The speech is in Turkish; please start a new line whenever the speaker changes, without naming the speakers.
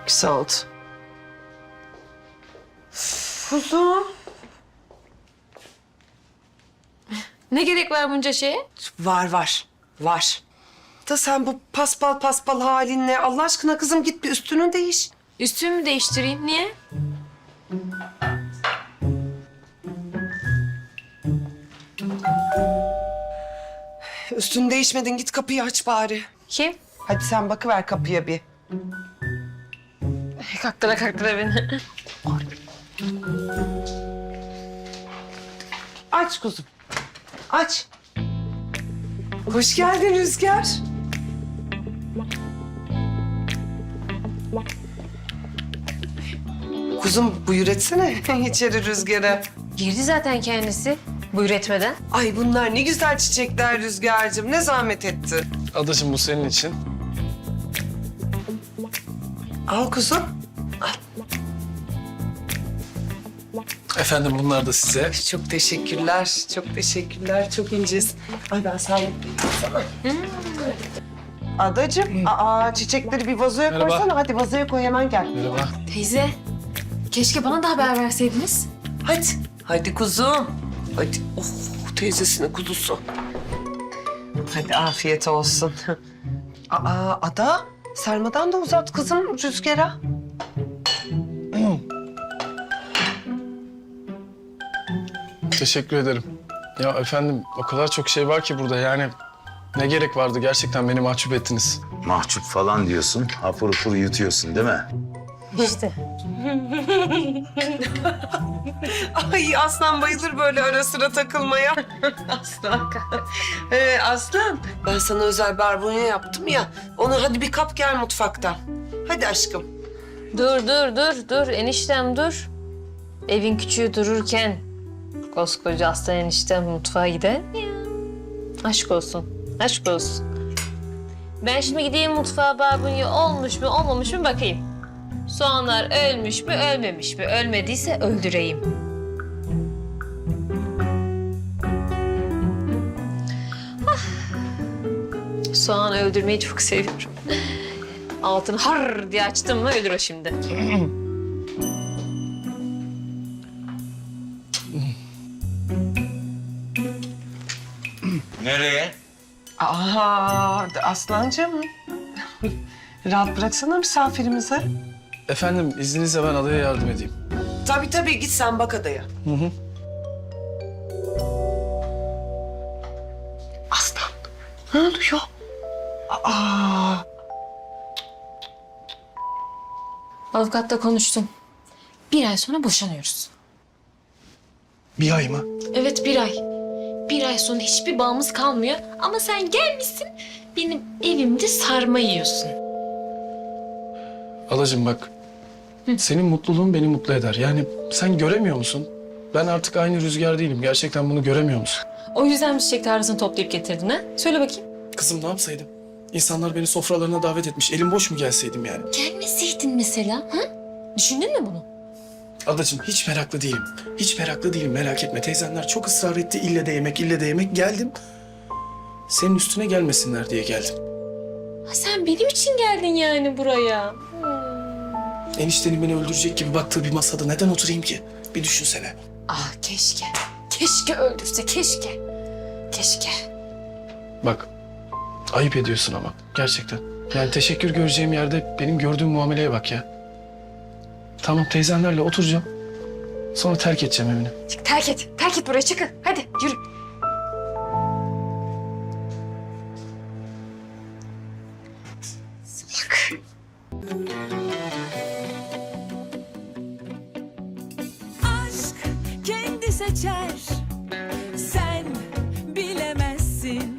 Güzel oldu. Kuzum.
Ne gerek var bunca şeye?
Var. Da sen bu paspal halinle Allah aşkına kızım git bir üstünü değiş.
Üstümü değiştireyim. Niye?
Üstünü değişmedin git kapıyı aç bari.
Kim?
Hadi sen bakıver kapıya bir.
Kaktıra beni.
Aç kuzum. Aç. Hoş geldin Rüzgar. Kuzum buyur etsene içeri Rüzgar'a.
Girdi zaten kendisi. Buyur etmeden.
Ay bunlar ne güzel çiçekler Rüzgar'cığım. Ne zahmet ettin.
Adacığım bu senin için.
Al kuzum.
Efendim bunlar da size.
Çok teşekkürler. Çok teşekkürler. Çok incesin. Ay ben sahipliyim sana. Adacığım, çiçekleri bir vazoya
Merhaba.
koysana. Hadi vazoya koy hemen gel.
Merhaba.
Teyze. Keşke bana da haber verseydiniz.
Hadi. Hadi kuzum. Hadi. Oh teyzesinin kuzusu. Hadi afiyet olsun. Ada sarmadan da uzat kızım Rüzgar'a.
Teşekkür ederim. Ya efendim o kadar çok şey var ki burada yani ne gerek vardı gerçekten beni mahcup ettiniz.
Mahcup falan diyorsun, hapur hapur yutuyorsun değil mi?
İşte.
Ay Aslan bayılır böyle ara sıra takılmaya. Aslan. Aslan ben sana özel barbunya yaptım ya. Onu hadi bir kap gel mutfaktan. Hadi aşkım.
Dur. Eniştem dur. Evin küçüğü dururken koskoca aslan eniştem mutfağa gider mi ya? Aşk olsun. Ben şimdi gideyim mutfağa, barbunya olmuş mu olmamış mı bakayım. Soğanlar ölmüş mü ölmemiş mi? Ölmediyse öldüreyim. Ah. Soğan öldürmeyi çok seviyorum. Altını har diye açtım mı ölür o şimdi.
Nereye?
Aslancığım. Rahat bıraksana misafirimizi.
Efendim izninizle ben adaya yardım edeyim.
Tabii git sen bak adaya. Aslan ne oluyor?
Avukatla konuştum. 1 ay sonra boşanıyoruz.
Bir ay mı?
Evet 1 ay. 1 ay sonra hiçbir bağımız kalmıyor. Ama sen gelmişsin benim evimde sarma yiyorsun.
Adacığım bak. Senin mutluluğun beni mutlu eder. Yani sen göremiyor musun? Ben artık aynı Rüzgar değilim. Gerçekten bunu göremiyor musun?
O yüzden mi çiçek tarlasını toplayıp getirdin ha? Söyle bakayım.
Kızım ne yapsaydım? İnsanlar beni sofralarına davet etmiş. Elim boş mu gelseydim yani?
Gelmeseydin mesela ha? Düşündün mü bunu?
Adacığım hiç meraklı değilim. Hiç meraklı değilim merak etme. Teyzenler çok ısrar etti. İlle de yemek. Geldim. Senin üstüne gelmesinler diye geldim.
Ha, sen benim için geldin yani buraya.
Eniştenin beni öldürecek gibi baktığı bir masada neden oturayım ki? Bir düşünsene.
Ah keşke. Keşke öldürse keşke. Keşke.
Bak ayıp ediyorsun ama gerçekten. Yani teşekkür göreceğim yerde benim gördüğüm muameleye bak ya. Tamam teyzenlerle oturacağım. Sonra terk edeceğim evini.
Çık, terk et. Terk et burayı çıkın. Hadi yürü. Salak.
Aşk kendi seçer